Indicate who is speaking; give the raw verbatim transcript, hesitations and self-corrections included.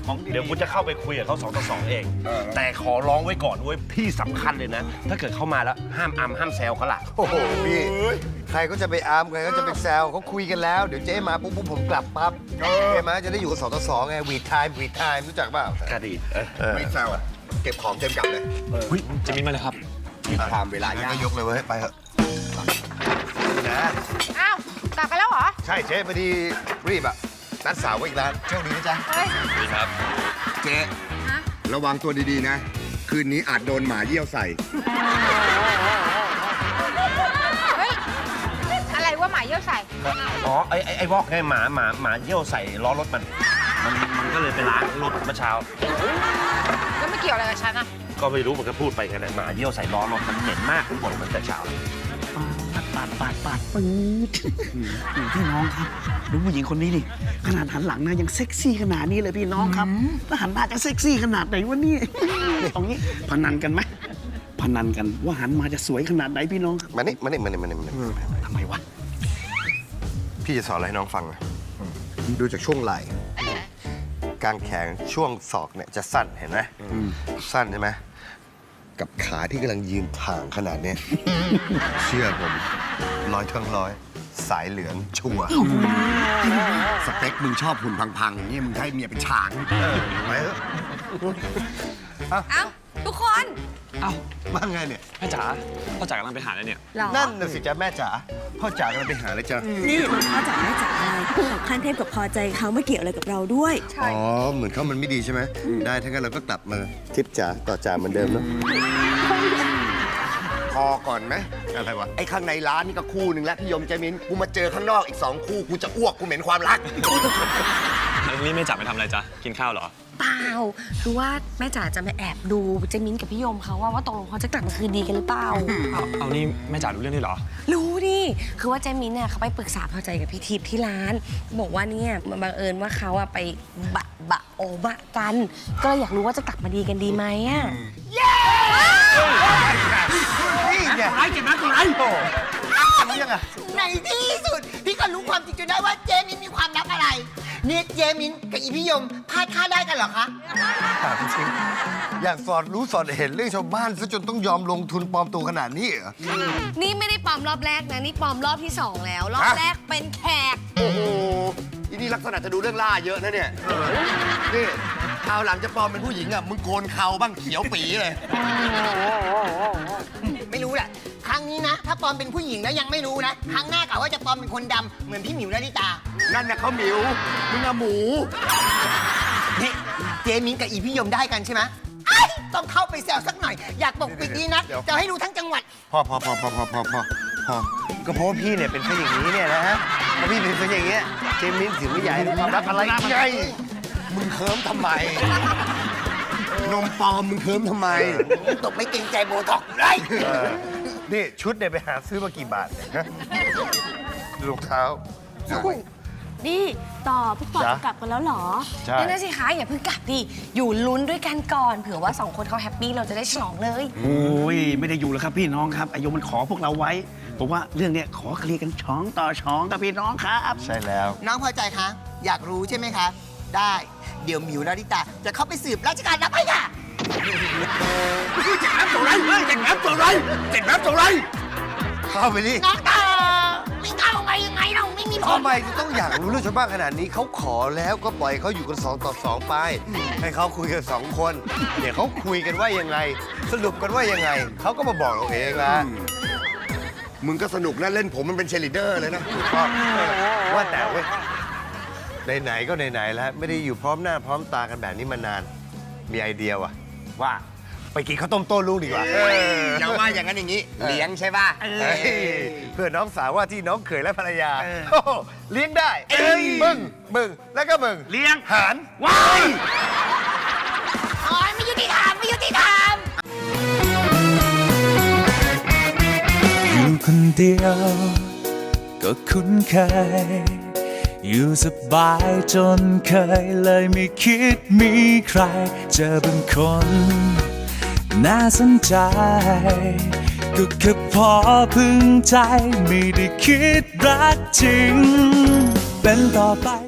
Speaker 1: เดี๋ยวกูจะเข้าไปคุยกับเขาสองต่อสองเองแต่ขอร้องไว้ก่อนด้วยพี่สำคัญเลยนะถ้าเกิดเข้ามาแล้วห้ามอัมห้ามแซวเขาล่ะ
Speaker 2: โอ้โหพี่ใครก็จะไปอาร์มใครก็จะไปแซวเขาคุยกันแล้วเดี๋ยวเจ๊มาปุ๊บผมกลับปั๊บเจ๊มาจะได้อยู่กับสองต่อสองไงวีดไทม์วีดไทม์รู้จักเปล่า
Speaker 1: ก็ดี
Speaker 2: ไม่แซวอ่ะเก็บของเต็มกลับเลย
Speaker 3: เฮ้ยจะมินมาเลยครับ
Speaker 2: วีดไทม์เวลาก็ยกเลยเว้ยไปเถอะนะ
Speaker 4: อ้าวกลับไปแล้วเหรอ
Speaker 2: ใช่เจ๊พอดีรีบอ่ะนัดสาวไว้อีกร้านโชคดีนะจ๊ะ
Speaker 3: ดีครับ
Speaker 5: เจ๊ระวังตัวดีๆนะคืนนี้อาจโดนหมาเยี่ยวใส่
Speaker 4: เฮ้ยอะไรว่าหมาเยี่ยวใส่
Speaker 1: อ๋อไอ้ไอ้วอกไงหมาหมาหมาเยี่ยวใส่ล้อรถมันมันมันก็เลยไปล้างรถเมื่อเช้า
Speaker 4: แล้วไม่เกี่ยวอะไรกับฉันอะ
Speaker 1: ก็ไม่รู้มันก็พูดไปกันเลยหมาเยี่ยวใส่ล้อรถมันเหม็นมากทุกคนมันแต่เช้า
Speaker 6: ปาดปาดปาดปื๊ดพี่น้องครับดูผู้หญิงคนนี้ดิขนาดหันหลังนะยังเซ็กซี่ขนาดนี้เลยพี่น้องครับถ้าหันหน้าจะเซ็กซี่ขนาดไหนวะนี่ตรงนี้พนันกันไหมพนันกันว่าหันมาจะสวยขนาดไหนพี่น้องครับ
Speaker 2: มานี่มานี่มานี่มานี่มานี่
Speaker 6: ทำไมวะ
Speaker 2: พี่จะสอนอะไรให้น้องฟังนะดูจากช่วงไหล่กางแขนช่วงศอกเนี่ยจะสั้นเห็นไหมสั้นใช่ไหมกับขาที่กำลังยืนถ่างขนาดนี้ เชื่อผมร้อยทั้งร้อยสายเหลืองชัวร์
Speaker 5: สเปคมึงชอบหุ่นพังๆอย่างนี้มึงให้เมียเป็นช้าง
Speaker 2: ไปเถอะ
Speaker 4: เอ้าทุกคน
Speaker 6: เอ้า
Speaker 2: ว่าไงเนี่ย
Speaker 3: แม่จ๋าพ่อจ๋ากำลังไปหาอะไรเนี่ย
Speaker 2: นั่นน่ะสิจ๊ะแม่จ๋าพ่อจ๋ากำลังไปหาอะไรจ๊ะ
Speaker 7: นี่พ่อจ๋าแม่จ๋าอะไรผู้ของขั้นเทพกับพอใจเขาไม่เกี่ยวอะไรกับเราด้วย
Speaker 2: อ๋อเหมือนเขามันไม่ดีใช่ไหมได้ถ้างั้นเราก็กลับมาทิปจ๋าต่อจ๋าเหมือนเดิมเนาะ
Speaker 5: พอก่อนไหม
Speaker 2: อะไรวะ
Speaker 5: ไอ้ข้างในร้านนี่ก็คู่หนึ่งแล้วพี่ยมเจมินกูมาเจอข้างนอกอีกสองคู่กูจะอ้วกกูเหม็นความรัก
Speaker 3: นี่แม่จ๋าไปทำอะไรจ๊ะกินข้าวเหรอ
Speaker 4: เปล่าคือว่าแม่จ๋าจะมาแอบดูเจมินกับพี่ยมเขาว่าว่าตกลงเขาจะกลับมาคืนดีกันหรือเปล่า
Speaker 3: เอาเอานี่แม่จ๋ารู้เรื่องด้วยเหรอ
Speaker 4: รู้ดิคือว่าเจมินเนี่ยเขาไปปรึกษาพอใจกับพี่ทิพย์ที่ร้านบอกว่าเนี่ยมันบังเอิญว่าเขาอะไปบะบะโอบะกันก็เลยอยากรู้ว่าจะกลับมาดีกันดีไหมอะเย้
Speaker 2: นี่ไง
Speaker 6: ไรเจ็บนะตัวไร
Speaker 2: โตนี่ยังไง
Speaker 8: ในที่สุดพี่ก็รู้ความจริงจนได้ว่าเจมินมีความลับอะไรเนี่ยเจมินกับอีพี่ยมพลาดค่าได้กันเหรอคะ
Speaker 2: ถามจริงอยากสอดรู้สอดเห็นเรื่องชาวบ้านซะจนต้องยอมลงทุนปลอมตัวขนาดนี้เหรอ
Speaker 4: นี่ไม่ได้ปลอมรอบแรกนะนี่ปลอมรอบที่สองแล้วรอบแรกเป็นแขก
Speaker 5: โอ้โหอีนี่ลักษณะจะดูเรื่องล่าเยอะนะเนี่ยนี่คราวหลังจะปลอมเป็นผู้หญิงอ่ะมึงโกนเขาบ้างเขียวปีเลย
Speaker 8: ไม่รู้แหละครั้งนี้นะถ้าปลอมเป็นผู้หญิงแล้วยังไม่รู้นะครั้งหน้ากะว่าจะปลอมเป็นคนดำเหมือนพี่หมิวนาริตา
Speaker 5: นั่นน่ะเขาหมิวมึงอะหมู
Speaker 8: นี่เจมินกับอีพี่ยมได้กันใช่ไหมต้องเข้าไปแซวสักหน่อยอยากปกปิดดีนะจะให้รู้ทั้งจังหวัด
Speaker 2: พอพอพอพอพอพอพอพอก็เพราะว่าพี่เนี่ยเป็นคนอย่างนี้เนี่ยนะฮะพอพี่เป็นคนอย่างเงี้ยเจมินถึงไม่ใหญ่ความรักอะไรไงมึงเคิร์มทำไมนมปลอมมึงเคิร์มทำไม
Speaker 8: ตบไม่เกรงใจโบท็อกเลย
Speaker 2: นี่ชุดเนี่ยไปหาซื้อมากี่บาทเนี่ยฮะรองเท้า
Speaker 7: นี่ต่อพวกปอดกลับกันแล้วเหรอ
Speaker 2: ใช่
Speaker 4: นั่นสิคะอย่าเพิ่งกลับดิอยู่ลุ้นด้วยกันก่อนเผื่อว่าสองคนเขาแฮปปี้เราจะได้ฉลองเลย
Speaker 6: โอ้ยไม่ได้อยู่แล้วครับพี่น้องครับอายุมันขอพวกเราไว้ผมว่าเรื่องเนี้ยขอเคลียร์กันช้องต่อช้องกับพี่น้องครับ
Speaker 2: ใช่แล้ว
Speaker 8: น้องพอใจคะอยากรู้ใช่ไหมคะได้เดี๋ยวหมิวนาริตาจะเข้าไปสืบราชการรับให้ค่ะ
Speaker 6: เจ็บน้ำตัวไรเจ็บน้ำตัวไรเจ็บน้ำตัวไร
Speaker 2: เข้าไปดิ
Speaker 8: น้องตาไม่เข้าไปยังไงเราไม่มีผล
Speaker 2: ทำไมจะต้องอยากรู้เรื่องชาวบ้านขนาดนี้เขาขอแล้วก็ปล่อยเขาอยู่กันสองต่อสองไปให้เขาคุยกันสองคนเดี๋ยวเขาคุยกันว่ายังไงสรุปกันว่ายังไงเขาก็มาบอกเราเองละ
Speaker 5: มึงก็สนุกนะเล่นผมมันเป็นเชลิเดอร์เลยนะ
Speaker 2: ว่าแต่เว้ยไหนๆก็ไหนๆแล้วไม่ได้อยู่พร้อมหน้าพร้อมตากันแบบนี้มานานมีไอเดียว่ะว่าไปกินข้าวต้มโต้ลูกดีกว่า
Speaker 5: อย่าว่าอย่างนั้นอย่างนี้เลี้ยงใช่ป่ะ
Speaker 2: เพื่อน้องสาวว่าที่น้องเขยและภรรยาเลี้ยงได้มึงมึงแล้วก็มึง
Speaker 6: เลี้ยง
Speaker 2: หาร
Speaker 6: ว้าย
Speaker 8: โอ้ยไม่ยุติธรรมไม่ยุติธรรม
Speaker 9: อยู่คนเดียวก็คุ้นเคยอยู่สบายจนเคยเลยไม่คิดมีใครเจอเป็นคนน่าสนใจก็แค่พอพึงใจไม่ได้คิดรักจริงเป็นต่อไป